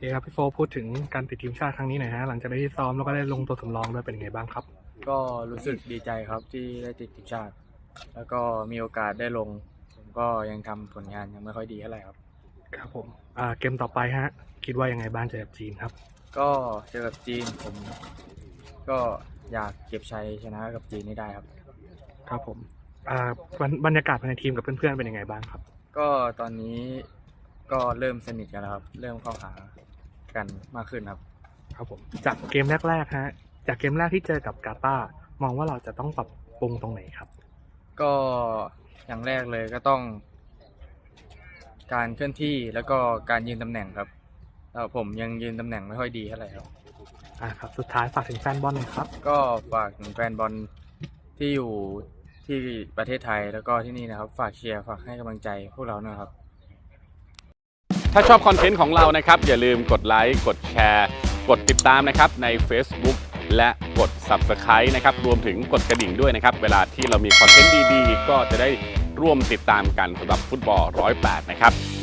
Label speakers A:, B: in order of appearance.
A: เคครับพี่โฟพูดถึงการติดทีมชาติครั้งนี้หน่อยฮะหลังจากได้ซ้อมแล้วก็ได้ลงตัวสำรองด้วยเป็นไงบ้างครับ
B: ก็รู้สึกดีใจครับที่ได้ติดทีมชาติแล้วก็มีโอกาสได้ลงผมก็ยังทำผลงานยังไม่ค่อยดีเท่าไหร่ครับ
A: ครับผมเกมต่อไปฮะคิดว่ายังไงบ้างเจอกับจีนครับ
B: ก็เจอกับจีนผมก็อยากเก็บชัยชนะกับจีนให้ได้ครับ
A: ครับผมบรรยากาศภายในทีมกับเพื่อนๆเป็นยังไงบ้างครับ
B: ก็ตอนนี้ก็เริ่มสนิทกันแล้วครับเริ่มเข้าหากันมากขึ้นครับ
A: ครับผมจากเกมแรกๆฮะจากเกมแรกที่เจอกับกาตาร์มองว่าเราจะต้องปรับปรุงตรงไหนครับ
B: ก็อย่างแรกเลยก็ต้องการเคลื่อนที่แล้วก็การยืนตำแหน่งครับแล้วผมยังยืนตำแหน่งไม่ค่อยดีเท่าไหร่ครับ
A: ครับสุดท้ายฝากถึงแฟนบอลหน่อยครับ
B: ก็ฝากถึงแฟนบอลที่อยู่ที่ประเทศไทยแล้วก็ที่นี่นะครับฝากเชียร์ฝากให้กำลังใจพวกเราหน่อยครับ
C: ถ้าชอบคอนเทนต์ของเรานะครับอย่าลืมกดไลค์กดแชร์กดติดตามนะครับใน Facebook และกด Subscribe นะครับรวมถึงกดกระดิ่งด้วยนะครับเวลาที่เรามีคอนเทนต์ดีๆก็จะได้ร่วมติดตามกันสำหรับฟุตบอล108นะครับ